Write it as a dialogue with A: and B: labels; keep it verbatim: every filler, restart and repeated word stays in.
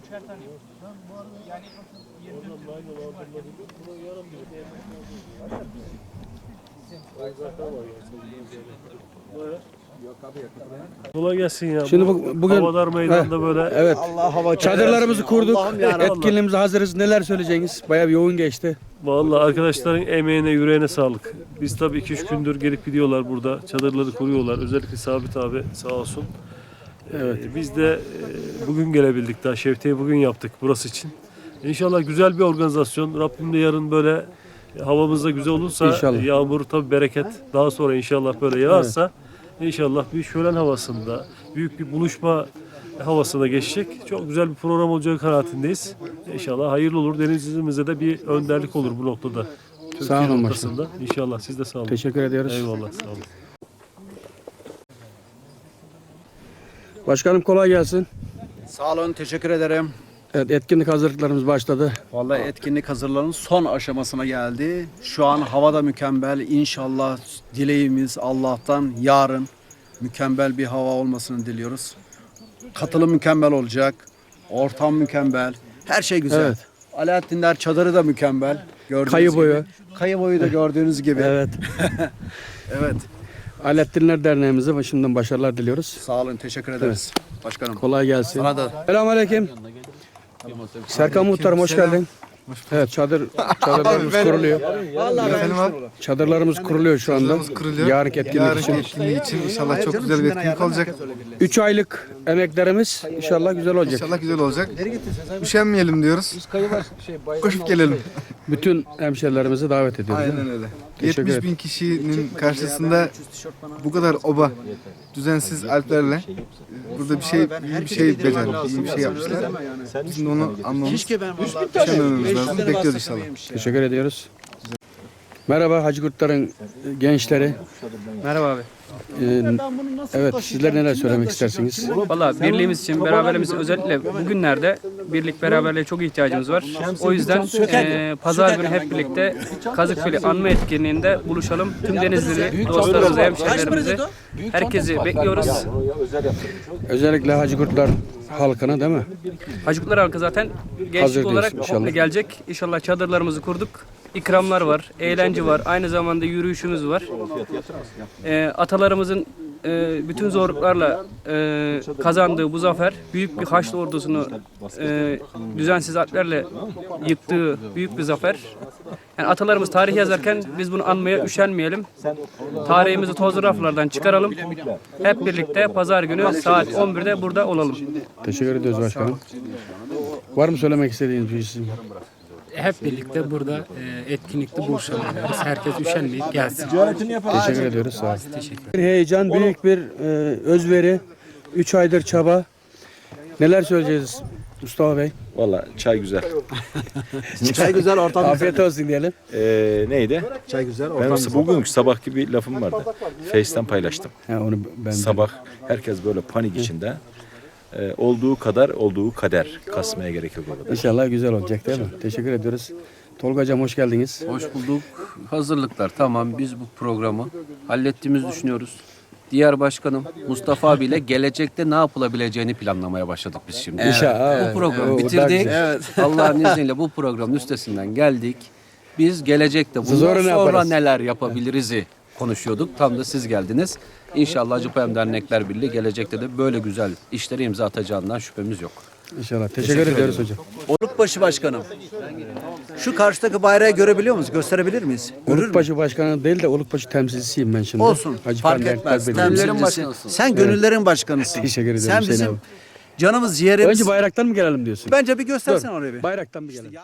A: Kolay gelsin ya.
B: Şimdi bu, bugün
A: Havadar Meydanı'nda
B: he,
A: böyle.
B: Evet.
C: Allah hava
B: Çadırlarımızı kurduk.
A: ya.
B: Etkinliğimize hazırız. Neler söyleyeceğiniz? Bayağı bir yoğun geçti.
A: Vallahi arkadaşların emeğine, yüreğine sağlık. Biz tabii iki üç gündür gelip gidiyorlar burada. Çadırları kuruyorlar. Özellikle Sabit abi sağ olsun. Evet. Ee, biz de e, bugün gelebildik daha. Şevte'yi bugün yaptık burası için. İnşallah güzel bir organizasyon. Rabbim de yarın böyle havamız da güzel olursa,
B: İnşallah.
A: yağmur tabii bereket. Daha sonra inşallah böyle yağarsa inşallah bir şölen havasında, büyük bir buluşma havasına geçecek. Çok güzel bir program olacağı kanaatindeyiz. İnşallah hayırlı olur. Denizimize de bir önderlik olur bu noktada.
B: Sağ olun başkanım.
A: Ortasında. İnşallah siz de sağ olun.
B: Teşekkür ediyoruz.
A: Eyvallah sağ olun.
B: Başkanım kolay gelsin.
C: Sağ olun, teşekkür ederim.
B: Evet, etkinlik hazırlıklarımız başladı.
C: Vallahi etkinlik hazırlarının son aşamasına geldi. Şu an hava da mükemmel. İnşallah dileğimiz Allah'tan yarın mükemmel bir hava olmasını diliyoruz. Katılım mükemmel olacak. Ortam mükemmel. Her şey güzel.
B: Evet.
C: Alaaddinler çadırı da mükemmel. Gördüğünüz
B: Kayı
C: gibi.
B: boyu.
C: Kayı boyu da gördüğünüz gibi.
B: Evet.
C: Evet.
B: Alettinler Derneğimize şimdiden başarılar diliyoruz.
C: Sağ olun, teşekkür ederiz. Başkanım.
B: Kolay gelsin.
C: Sana da.
B: Selamünaleyküm. Serkan Muhtarım hoş geldin. Evet, çadır çadırlarımız kuruluyor.
D: Efendim abi,
B: Çadırlarımız kuruluyor şu anda.
D: kuruluyor.
B: Yarınki etkinlik
D: Yarınki
B: için.
D: etkinliği için inşallah çok güzel bir etkinlik olacak.
B: üç aylık emeklerimiz inşallah güzel olacak.
D: İnşallah güzel olacak. Üşenmeyelim diyoruz. Koşup gelelim.
B: Bütün hemşerilerimizi davet ediyoruz.
D: Aynen öyle.
B: Teşekkür
D: yetmiş bin kişinin karşısında bu kadar oba, düzensiz alplerle burada bir şey, iyi bir şey becerdik, iyi bir şey yapmışlar. Bizim de onu anlamamız, üşenmememiz lazım. Bekliyoruz inşallah.
B: Teşekkür ediyoruz. Merhaba Hacı Kurtlar'ın gençleri.
E: Merhaba abi.
B: Ee, evet, sizler neler söylemek istersiniz?
E: Valla birliğimiz için, beraberliğimiz için özellikle bugünlerde birlik beraberliğe çok ihtiyacımız var. O yüzden e, pazar günü hep birlikte Kazıkfili anma etkinliğinde buluşalım. Tüm Denizli dostlarımızı, hemşehrilerimizi, herkesi bekliyoruz.
B: Özellikle Hacı Kurtlar halkına değil mi?
E: Hacıklar halkı zaten gençlik
B: Hazır
E: olarak
B: diyorsun inşallah.
E: komple gelecek. İnşallah çadırlarımızı kurduk. İkramlar var, eğlence var, aynı zamanda yürüyüşümüz var. E, atalarımızın e, bütün zorluklarla e, kazandığı bu zafer, büyük bir Haçlı ordusunu e, düzensiz harplerle yıktığı büyük bir zafer. Yani atalarımız tarih yazarken biz bunu anmaya üşenmeyelim. Tarihimizi tozlu raflardan çıkaralım. Hep birlikte pazar günü saat on birde burada olalım.
B: Teşekkür ediyoruz başkanım. Var mı söylemek istediğiniz bir şey?
F: Hep birlikte burada e, etkinlikte buluşalım diyoruz. Herkes üşenmeyip gelsin.
B: Teşekkür ediyoruz. Sağ olun. Bir heyecan, büyük bir e, özveri, üç aydır çaba. Neler söyleyeceğiz Mustafa Bey?
G: Valla çay güzel.
C: Çay güzel, ortam
B: Afiyet olsun diyelim.
G: Ee, neydi?
C: Çay güzel,
G: Benim
C: ortam
G: bugünkü sabahki bir lafım vardı. Face'ten paylaştım.
B: Ha, onu ben de-
G: Sabah herkes böyle panik içinde. Ee, olduğu kadar olduğu kader. Kasmaya gerek yok orada.
B: İnşallah güzel olacak değil mi? Teşekkür ediyoruz. Tolga Hocam hoş geldiniz.
H: Hoş bulduk. Hazırlıklar tamam. Biz bu programı hallettiğimizi düşünüyoruz. Diğer başkanım Mustafa abiyle gelecekte ne yapılabileceğini planlamaya başladık biz şimdi.
B: İnşallah.
H: Bu programı
B: O- o daha
H: bitirdik.
B: güzel.
H: Allah'ın izniyle bu programın üstesinden geldik. Biz gelecekte bundan
B: Sonra ne
H: sonra
B: yaparız?
H: neler yapabiliriz'i konuşuyorduk. Tam da siz geldiniz. İnşallah Acıpayam Dernekler Birliği gelecekte de böyle güzel işleri imza atacağından şüphemiz yok.
B: İnşallah. Teşekkür, ediyoruz hocam.
C: Olukbaşı başkanım. Şu karşıdaki bayrağı görebiliyor musunuz? Gösterebilir miyiz? Görür mü?
B: Olukbaşı başkanı değil de Olukbaşı temsilcisiyim ben şimdi.
C: Olsun.
B: Hacı
C: Fark
B: Pender
C: etmez.
B: Kalbeli.
C: Temsilcisi.
H: başkanısın.
C: Sen gönüllerin başkanısın.
B: Teşekkür ederim
C: Sen
B: Hüseyin
C: bizim
B: abi.
C: canımız, ciğerimiz.
B: Önce bayraktan mı gelelim diyorsun?
C: Bence bir göstersen oraya bir.
B: Bayraktan bir gelelim.